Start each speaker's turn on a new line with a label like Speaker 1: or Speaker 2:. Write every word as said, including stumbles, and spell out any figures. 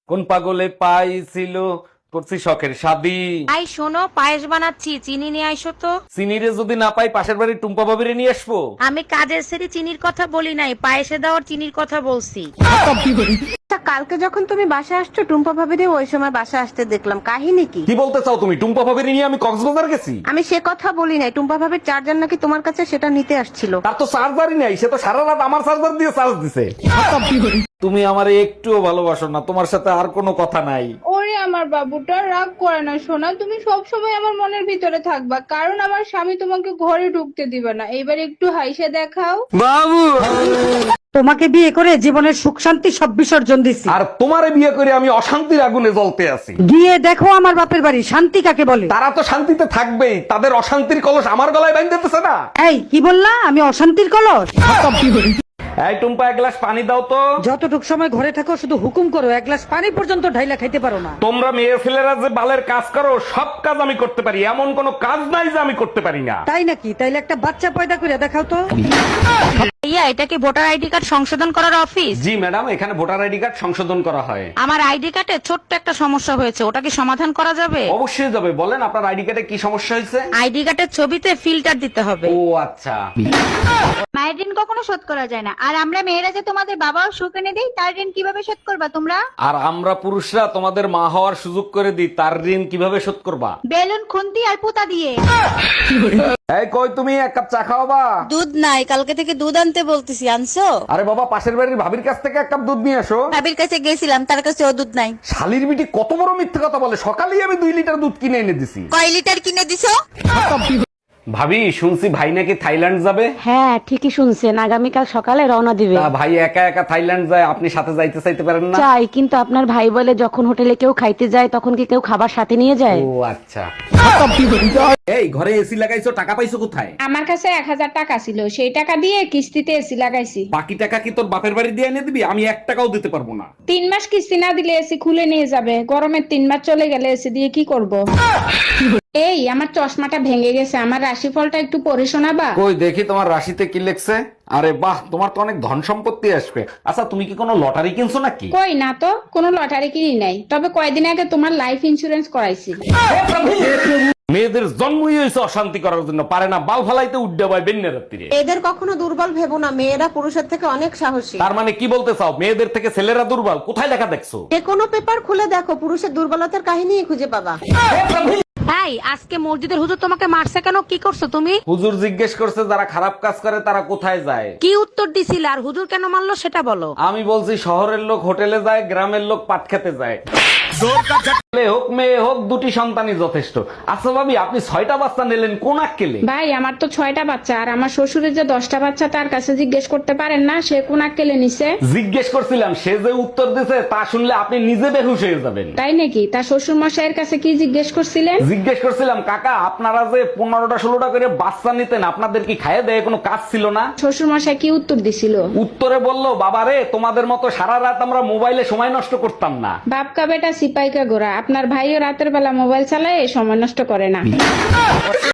Speaker 1: কোন পাগলে পাইছিল করছি শখের শাদি।
Speaker 2: আই শোনো, পায়েস বানাচ্ছি, চিনি নিয়ে আইসো তো।
Speaker 1: চিনিরে যদি না পাই পাশের বাড়ির টুম্পা ভাবিরে নিয়ে আসবো।
Speaker 2: আমি কাজের সেরি চিনির কথা বলি নাই, পায়েসে দেওয়ার চিনির কথা বলছি।
Speaker 3: আচ্ছা, কালকে যখন তুমি বাসা আসছো টুম্পা ভাবিরে ওই সময় বাসা আসতে দেখলাম, কাহিনী কি?
Speaker 1: কি বলতে চাও তুমি? টুম্পা ভাবিরে নিয়ে আমি কক্সবাজার গেছি?
Speaker 3: আমি সে কথা বলি নাই, টুম্পা ভাবির চার্জার নাকি তোমার কাছে, সেটা নিতে আসছিল।
Speaker 1: তার তো চার্জারই নাই, সে তো সারা রাত আমার চার্জার দিয়ে চার্জ দিছে। তুমি আমারে একটুও ভালোবাসো না, তোমার সাথে আর কোনো কথা নাই।
Speaker 4: ওরে আমার বাবুটা, রাগ করে না সোনা, তুমি সব সময় আমার মনের ভিতরে থাকবা, কারণ আমার স্বামী তোমাকে ঘরে ঢুকতে দিবে না। এবার একটু হাইসে দেখাও।
Speaker 5: তোমাকে বিয়ে করে জীবনের সুখ শান্তি সব বিসর্জন দিছি।
Speaker 1: আর তোমারে বিয়ে করে আমি অশান্তির আগুনে জ্বলতে আছি।
Speaker 5: গিয়ে দেখো আমার বাপের বাড়ি, শান্তি কাকে বলে।
Speaker 1: তারা তো শান্তিতে থাকবেই, তাদের অশান্তির কলস আমার গলায় বাইন্ধে দিতেছে না।
Speaker 5: এই কি বললা? আমি অশান্তির কলস?
Speaker 1: এই টুম্পা, এক গ্লাস পানি দাও তো।
Speaker 5: যতটুক সময় ঘরে থাকো শুধু হুকুম করো, এক গ্লাস পানি পর্যন্ত ঢাইলা খাইতে পারো না।
Speaker 1: তোমরা মেয়ে ছেলেরা যে বালের কাজ করো, সব কাজ আমি করতে পারি, এমন কোনো কাজ নাই যে আমি করতে পারি না।
Speaker 5: তাই নাকি? তাইলে একটা বাচ্চা পয়দা করে দেখাও তো।
Speaker 2: ইয়া, এটা কি ভোটার আইডি কার্ড সংশোধন করার অফিস?
Speaker 1: জি ম্যাডাম, এখানে ভোটার আইডি কার্ড সংশোধন করা হয়।
Speaker 2: আমার আইডি কার্ডে ছোট্ট একটা সমস্যা হয়েছে, ওটা কি সমাধান করা যাবে?
Speaker 1: অবশ্যই যাবে, বলেন আপনার আইডি কার্ডে কি সমস্যা হয়েছে?
Speaker 2: আইডি কার্ডের ছবিতে ফিল্টার দিতে হবে।
Speaker 1: ও আচ্ছা।
Speaker 6: মায়ের ঋণ কখনো শোধ করা যায় না, আর আমরা মেয়েরা যে তোমাদের বাবাও সুখ এনে দেই, তার ঋণ কিভাবে শোধ করবা তোমরা?
Speaker 1: আর আমরা পুরুষরা তোমাদের মা হওয়ার সুযোগ করে দিই, তার ঋণ কিভাবে শোধ করবা?
Speaker 6: বেলুন, খুন্তি আর পুতা দিয়ে।
Speaker 1: এই কই তুমি, এক কাপ চা খাওয়াবা?
Speaker 7: দুধ নাই, কালকে থেকে দুধ আনতে বলতেছি, আনছো?
Speaker 1: আরে বাবা, পাশের বাড়ির ভাবির কাছ থেকে এক কাপ দুধ নিয়ে আসো।
Speaker 7: ভাবির কাছে গেছিলাম, তার কাছে ও দুধ নাই।
Speaker 1: শালির বিটি কত বড় মিথ্যে কথা বলে, সকালেই আমি দুই লিটার দুধ কিনে এনে দিছি।
Speaker 7: কয় লিটার কিনে দিছো?
Speaker 1: ভাবি, শুনছি ভাই নাকি থাইল্যান্ড যাবে।
Speaker 3: হ্যাঁ, ঠিকই শুনছেন, আগামীকাল সকালে রওনা দিবে।
Speaker 1: তা ভাই একা একা থাইল্যান্ড যায়, আপনি সাথে যাইতে চাইতে পারেন না?
Speaker 3: চাই, কিন্তু আপনার ভাই বলে যখন হোটেলে কেউ খাইতে যায় তখন কি কেউ খাবার সাথে নিয়ে যায়?
Speaker 1: ও আচ্ছা। এই ঘরে এসি লাগাইছো, টাকা পাইছো কোথায়?
Speaker 4: আমার কাছে এক হাজার টাকা ছিল, সেই টাকা দিয়ে কিস্তিতে এসি লাগাইছি।
Speaker 1: বাকি টাকা কি তোর বাপের বাড়ি দিয়ে এনে দিবি? আমি এক টাকাও দিতে পারবো না।
Speaker 4: তিন মাস কিস্তি না দিলে এসি খুলে নিয়ে যাবে, গরমের তিন মাস চলে গেলে এসি দিয়ে কি করব? এই আমার চশমাটা ভেঙে গেছে, আমার রাশিফলটা একটু পড়ে শোনাবা?
Speaker 1: কই দেখি তোমার রাশিতে কি লেখছে। আরে বাহ, তোমার তো অনেক ধন সম্পত্তি আসবে। আচ্ছা, তুমি কি কোনো লটারি কিনছো নাকি?
Speaker 4: কই না তো, কোনো লটারি কিনি নাই, তবে কয়দিন আগে তোমার লাইফ ইন্সুরেন্স করাইছি।
Speaker 1: মেয়েদের জন্মই হয়েছে অশান্তি করার জন্য, পারে না বাল ফালাইতে উড্ডা পায় বেন্যা রাত্রিরে।
Speaker 3: এদের কখনো দুর্বল ভেবো না, মেয়েরা পুরুষের থেকে অনেক সাহসী।
Speaker 1: তার মানে কি বলতে চাও, মেয়েদের থেকে ছেলেরা দুর্বল? কোথায় লেখা দেখছো?
Speaker 3: যে কোনো পেপার খুলে দেখো, পুরুষের দুর্বলতার কাহিনী খুঁজে পাবা।
Speaker 2: এই, আজকে মসজিদের হুজুর তোমাকে মারছে কেন? কি করছো তুমি?
Speaker 1: হুজুর জিজ্ঞেস করছে যারা খারাপ কাজ করে তারা কোথায় যায়।
Speaker 2: কি উত্তর দিছিল, আর হুজুর কেন মারলো সেটা বলো।
Speaker 1: আমি বলছি শহরের লোক হোটেলে যায়, গ্রামের লোক পাট খেতে যায়। ছেলে হোক মেয়ে হোক, দুটি সন্তানই যথেষ্ট। আচ্ছা ভাবি, আপনি ছয়টা বাচ্চা নিলেন কোন আক্কেলে?
Speaker 4: ভাই, আমার তো ছয়টা বাচ্চা, আর আমার শ্বশুরের যে দশটা বাচ্চা, তার কাছে জিজ্ঞেস করতে পারেন না সে কোন আক্কেলে নিছে?
Speaker 1: জিজ্ঞেস করছিলাম, সে যে উত্তর দিছে তা শুনলে আপনি নিজে বেহুশ হয়ে যাবেন।
Speaker 4: তাই নাকি? তার শ্বশুর মশাইয়ের কাছে কি জিজ্ঞেস করছিলেন?
Speaker 1: জিজ্ঞেস করছিলাম, কাকা আপনারা যে পনেরোটা ষোলোটা করে বাচ্চা নিতেন, আপনাদের কি খাইয়ে দেয় কোনো কাজ ছিল না?
Speaker 4: শ্বশুর মশাই কি উত্তর দিছিল?
Speaker 1: উত্তরে বললো, বাবারে তোমাদের মতো সারা রাত আমরা মোবাইলে সময় নষ্ট করতাম না।
Speaker 4: বাপকা বেটা সিপাইকা গোরা, আপনার ভাইও রাতের বেলা মোবাইল চালায়, সময় নষ্ট করে না।